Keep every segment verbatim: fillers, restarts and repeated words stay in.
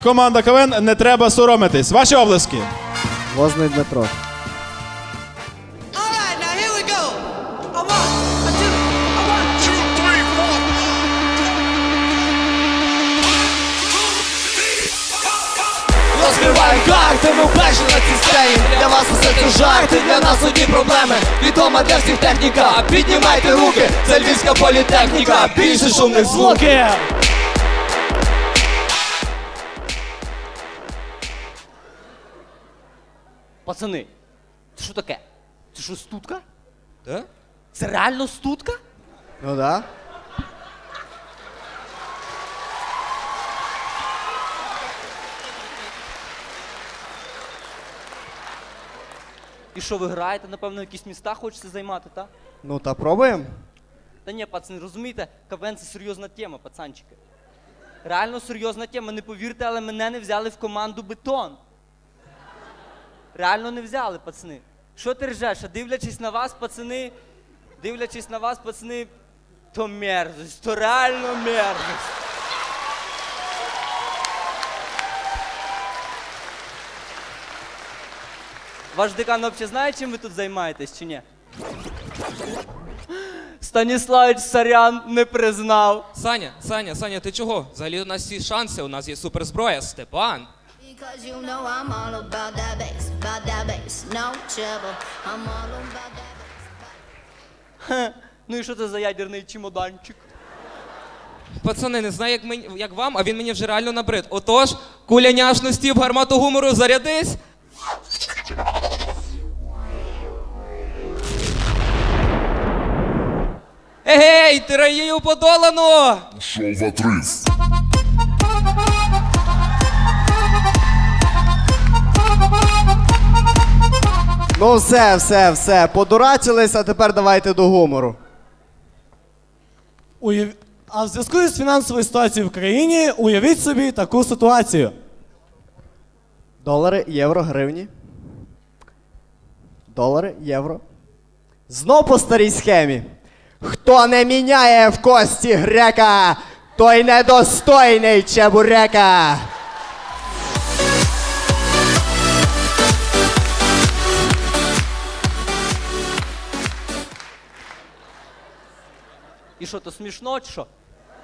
Команда КВН «Не треба соромитись». Ваші облески. Возний Дмитро. Розкриваємо карти, ми вперше на цій сцені. Для вас усе це жарти, для нас одні проблеми. Відома для всіх техніка, піднімайте руки. Це Львівська політехніка, більше шумних звуків. Пацани, це що таке? Це що, стутка? Да? Це реально стутка? Ну да. І що, ви граєте, напевно, якісь міста хочете займати, так? Ну та пробуємо. Та ні, пацани, розумієте, КВН – це серйозна тема, пацанчики. Реально серйозна тема, не повірте, але мене не взяли в команду «Бетон». Реально не взяли, пацани. Що ти ржеш? А дивлячись на вас, пацани, дивлячись на вас, пацани, то мерзость, то реально мерзость. Ваш декан взагалі знає, чим ви тут займаєтесь, чи ні? Станіславич, сорян, не признав. Саня, Саня, Саня, ти чого? Взагалі у нас всі шанси, у нас є суперзброя, Степан. Because you know I'm all about that bass, about that bass, no trouble. I'm all about that bass. Хе, ну і що це за ядерний чемоданчик? Пацани, не знаю, як, мені, як вам, а він мені вже реально набрид. Отож, куля няшності в гармату гумору, зарядись. Егей, тираїю подолано! Шоу в отрыв. Ну все, все, все. Подурачились, а тепер давайте до гумору. Уяв... А в зв'язку з фінансовою ситуацією в країні уявіть собі таку ситуацію. Долари, євро, гривні. Долари, євро. Знов по старій схемі. Хто не міняє в кості грека, той недостойний чебурека. І що, то смішно, чи що?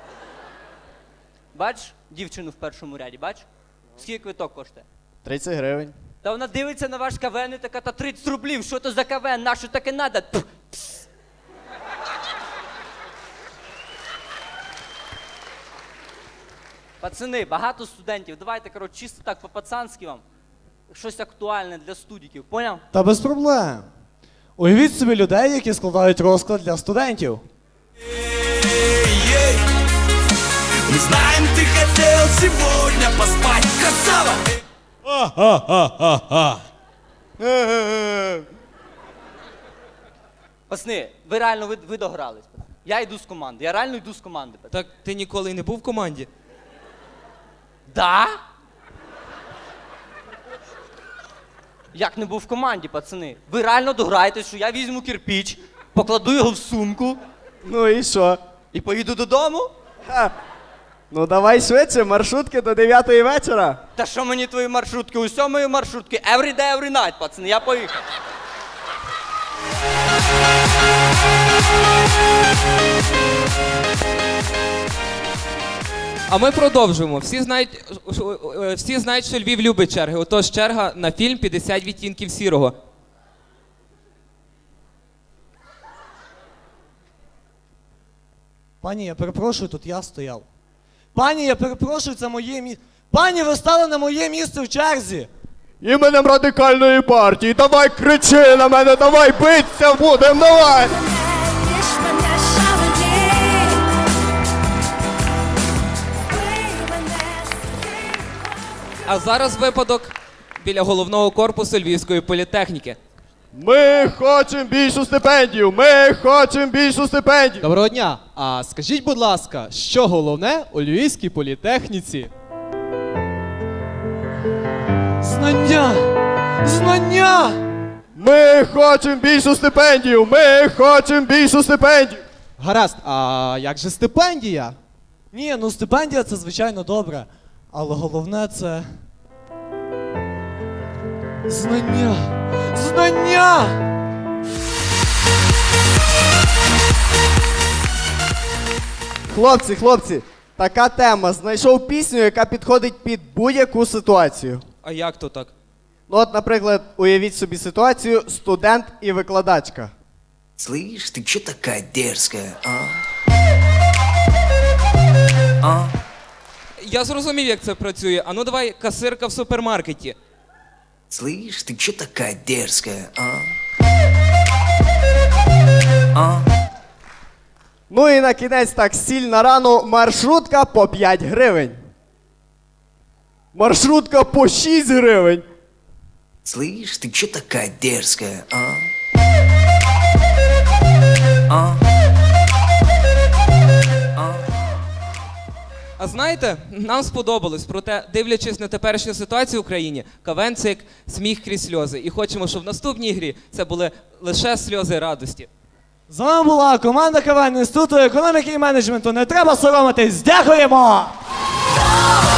Бач дівчину в першому ряді, бач? Скільки квиток коштує? тридцять гривень. Та вона дивиться на ваш КВН і така, та тридцять рублів, що то за КВН, на що таке надо? Пф, пс. Пацани, багато студентів, давайте, коротше, чисто так по-пацанськи вам. Щось актуальне для студіків, поняв? Та без проблем. Уявіть собі людей, які складають розклад для студентів. Мы знаем, ты хотел сегодня поспать, красава! Пацани, ви реально, ви, ви догрались. Я йду з команди, я реально йду з команди. Так ти ніколи не був в команді? Да? Як не був в команді, пацани? Ви реально дограєтесь, що я візьму кирпіч, покладу його в сумку Ну і що? і поїду додому? Ха. Ну давай швидше, маршрутки до дев'ятої вечора. Та що мені твої маршрутки? Усьо мої маршрутки. Every day, every night, пацани, я поїхав. А ми продовжуємо. Всі знають, всі знають, що Львів любить черги. Отож, черга на фільм «п'ятдесят відтінків сірого». Пані, я перепрошую, тут я стояв. Пані, я перепрошую, це моє місце. Пані, ви стали на моє місце в черзі. Іменем Радикальної партії. Давай кричи на мене, давай биться будем, давай! А зараз випадок біля головного корпусу Львівської політехніки. Ми хочемо більшу стипендію! Ми хочемо більшу стипендію! Доброго дня! А скажіть, будь ласка, що головне у Львівській політехніці? Знання! Знання! Ми хочемо більшу стипендію! Ми хочемо більшу стипендію! Гаразд, а як же стипендія? Ні, ну стипендія це звичайно добре. Але головне це... Знання! Знання! Хлопці, хлопці, така тема. Знайшов пісню, яка підходить під будь-яку ситуацію. А як то так? Ну от, наприклад, уявіть собі ситуацію студент і викладачка. Слышь, ты чё такая дерзкая, а? А? Я зрозумів, як це працює. А ну давай касирка в супермаркеті. Слышь, ты чё такая дерзкая, а? А? Ну і на кінець так сіль на рану, маршрутка по п'ять гривень. Маршрутка по шість гривень. Слышь, ты чё такая дерзкая, а? А? А знаєте, нам сподобалось, проте, дивлячись на теперішню ситуацію в Україні, КВН – це як сміх крізь сльози. І хочемо, щоб в наступній грі це були лише сльози радості. З вами була команда КВН Інституту економіки і менеджменту. Не треба соромитись. Дякуємо!